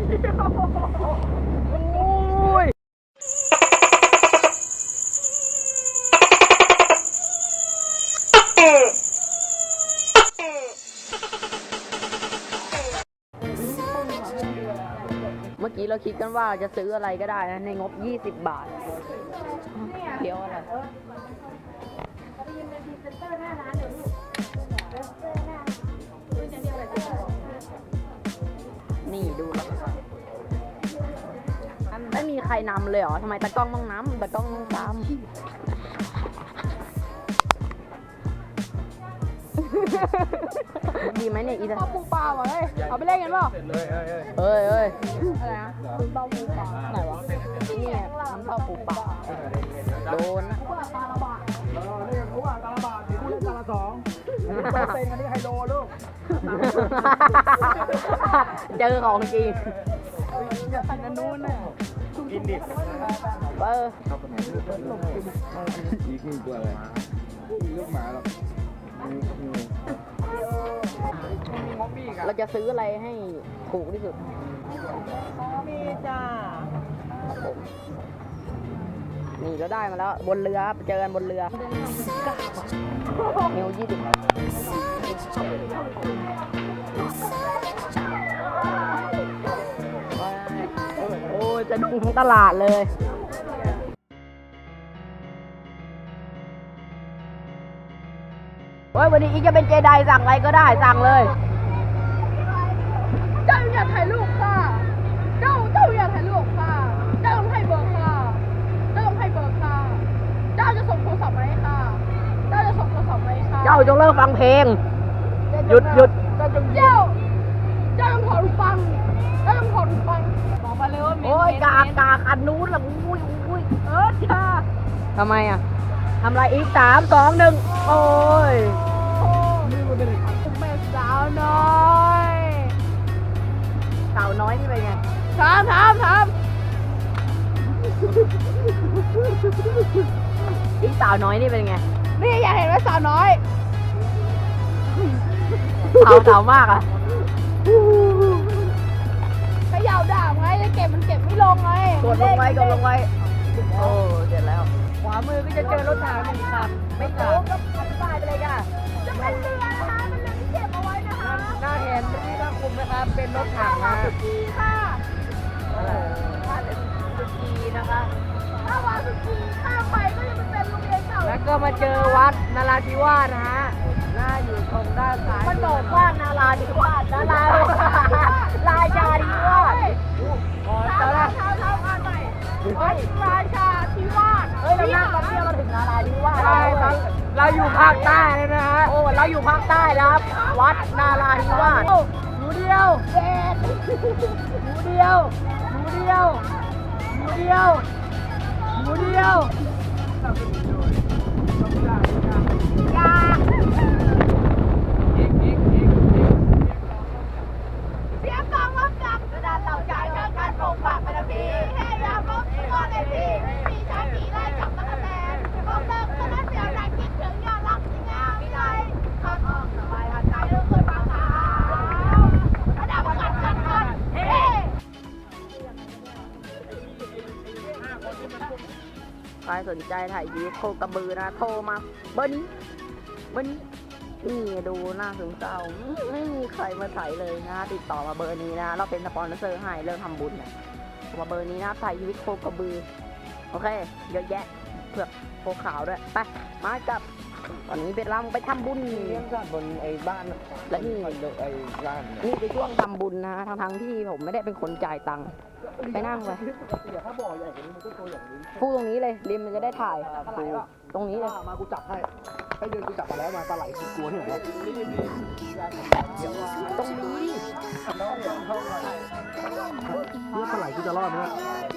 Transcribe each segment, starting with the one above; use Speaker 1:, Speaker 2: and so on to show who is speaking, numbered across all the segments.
Speaker 1: โอ้ยเมื่อกี้เราคิดกันว่าจะซื้ออะไรก็ได้นะในงบ20 บาทเดี๋ยวอะไรนี่ดูแล้วไม่มีใครนำเลยเหรอทำไมตากล้องต้องนำตากล้องต้องตามดีไหมเนี่ยอีตาปูปลาว่ะเฮ้ยเอาไปเล่นกันเปล่าเฮ้ยอะไรนะคุณเต้าปูปลาไหนวะนี่น้ำเต้าปูปลาโดนนะตาละบาทเรียกว่าตาละบาทเรียกตาละ2เซ็งอันนี้ไฮโลลูกเจอของจริงอย่าใส่กันนู้นน่ะกินดิอีกตัวอะไรลูกหมาหรอเราจะซื้ออะไรให้ถูกที่สุดมีจ้านี่เราได้มาแล้วบนเรือเจอกันบนเรือมิว20โอ้ยจะดูทั้งตลาดเลยเฮ้ยวันนี้อีกจะเป็นเจไดสั่งอะไรก็ได้สั่งเลย
Speaker 2: เจ้าอยากถ่ายรูปค่ะเจ้าอยากถ่ายรูปค่ะเจ้าต้องให้เบอร์ค่ะเจ้าต้องให้เบอร์ค่ะเจ้าจะส่งโทรศัพท์มาให้ค่ะเจ้าจะส่งโทรศัพท์มาให้ค่ะ
Speaker 1: เจ้าจงเลิกฟังเพลงหยุด
Speaker 2: เจ้าต้องถอดหูฟังเจ้าต้องถอดหูฟังบอกมาเลยว่า
Speaker 1: โอ้ยกากอันนู้นละอุ้ย
Speaker 2: จ้า
Speaker 1: ทำไมอ่ะทำไรอีก3 2 1โอ้ย
Speaker 2: นี่มันเป็นแม่สาวน้อย
Speaker 1: สาวน้อยนี่เป็นไง
Speaker 2: ถาม
Speaker 1: อีสาวน้อยนี่เป็นไง
Speaker 2: นี่อยากเห็นไหมสาวน้อย
Speaker 1: สาวมากอ่ะ
Speaker 2: ขย่าด่าไงจะเก็บมันเก็บไม่ลงไง
Speaker 1: กดลงไว้โอ้เสร็จแล้วขวามือก็จะเจอรถถัง1 คันไม่ขาดก็อธิบายไปเลยค่ะ
Speaker 2: จะเป็นเรือนะคะเป็นเรือที่เก็บเอาไว้นะคะ
Speaker 1: หน้าเห็นที่ถ้าคุมนะครับเป็นรถถังนะ
Speaker 2: สุกีค่ะ
Speaker 1: สุกีนะคะ
Speaker 2: ถ้าวาสุกีข้ามไปก็จะเป็นโรงเรียนเก่า
Speaker 1: แล้วก็มาเจอวัดนาราธิวาสนะฮะหน้าอยู่ตรงด้านซ้ายมันบอกว่านาราธิวาสราชาธิวาส
Speaker 2: เท้าอ่านใหม่วัดราชาธิวาส
Speaker 1: เรานั่งมาเที่ยวมาถึงนาราธิวาสใช่เราอยู่ภาคใต้เลยนะฮะโอ้เราอยู่ภาคใต้ครับวัดนาราธิวาสหมูเดียว
Speaker 2: เสียงกองรับจับกระดานเหล่าจ่ายเชิญการปลูกผักเป็นทีแค่ยามรบก็ในทีมีชาตีไล่จับตะแตนบอกเลิกก็นั้นเสียแรงคิดถึงยาลักที่งามวิไลข้าทองสบายหันใจเรื่องเคยฟังข่าวระดับกันเฮ้
Speaker 1: ใครสนใจถ่ายวีดีโอกระบือนะโทรมาเบอร์นี้นี่ดูหน้าถึงเศร้าไม่มีใครมาถ่ายเลยนะติดต่อมาเบอร์นี้นะเราเป็นสปอนเซอร์ให้เรื่องทำบุญเนี่ยมาเบอร์นี้นะถ่ายชีวิตโคกระบือโอเคเยอะแยะเผือกโคขาวด้วยไปมากับตอนนี้เป็นเราไปทำบุญ
Speaker 3: เลี้ยงสัตว์บนไอ้บ้าน
Speaker 1: และนี่
Speaker 3: ไอ้ร้าน
Speaker 1: นี่เป็นช่วงทำบุญนะทั้งที่ผมไม่ได้เป็นคนจ่ายตังค์ไปนั่งไป
Speaker 3: ถ้าบ่อใหญ่กว่านี้มันก็ตัวอย่างนี้
Speaker 1: พูดตรงนี้เลยริมมันจะได้ถ่ายตรงนี้เลย
Speaker 3: มากูจับให้เดินกูจับมาแล้วมาปลาไหลกลัวที่ไหน
Speaker 1: ตรงนี้
Speaker 3: ปลาไหลกูจะรอดไหม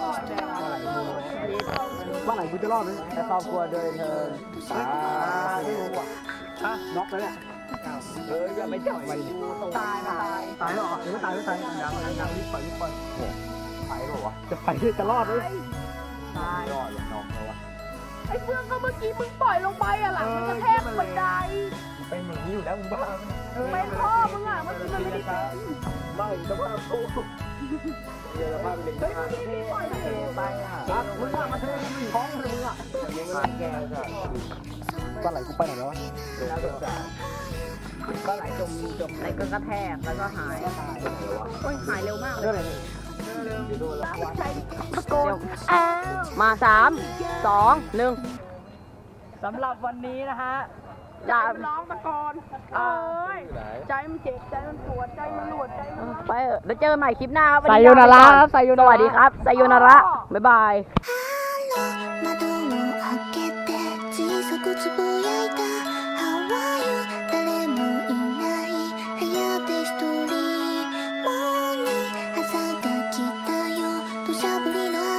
Speaker 3: ปลาไหลกูจะรอดไหม
Speaker 1: แต่ครอบครัวโดยเธอ
Speaker 3: ไม่รู้ว่ะน็อกแล้วเนี่ย
Speaker 1: อย่าไปจับไปตาย
Speaker 3: หรอเดี๋ยวตายยังรีบปล่อยไปหรอวะจะไปจะรอดไหม
Speaker 1: ตาย
Speaker 3: รอดอย่างน้องเขาวะ
Speaker 2: ไอ้เพื่อนก็เมื่อกี้มึงปล่อยลงไปอ่ะหลังมันกระแทกบันได
Speaker 3: เป็นอย่างนี้อยู่แล้วมึงบ้า
Speaker 1: เป็นพ่อมึงอ่ะเมื่อกี้มันไม่ได้เป็น
Speaker 3: ไม่สภาพกูเดี๋ยวสภาพเป็นอย่างนี้เทไปอ่ะมึงอ่ะมาเทมึงท้องเลยมึงอ่ะยังไม่แก่จ้ะปลาไหลกูไปไหนแล้ววะแล้วสงสารปลาไหลจม
Speaker 1: อะไรก็กระแทกแล้วก็หายโอ้ยหายเร็วมากเล
Speaker 3: เรื่อย งอะไรนี่ดูแล้ว
Speaker 1: ตะโกนมาสามสองหนึ่ง
Speaker 3: สำหรับวันนี้นะฮะ
Speaker 1: อย่า
Speaker 2: ร้องตะโกนเอ้ยใจมันเจ็บใจมันปวดใจมันหลวดใจมัน
Speaker 1: ไปเถอะเดี๋ยวเจอกันใหม่คลิปหน้าครับ
Speaker 3: ไซโยนาระครับไซโย
Speaker 1: ส
Speaker 3: นาระ
Speaker 1: วัสดีครับไซโยนาระบ๊ายบาย
Speaker 4: 窓を開けて小さくつぶやいた How are you 誰もいない部屋で一人もうに朝が来たよ土砂降りの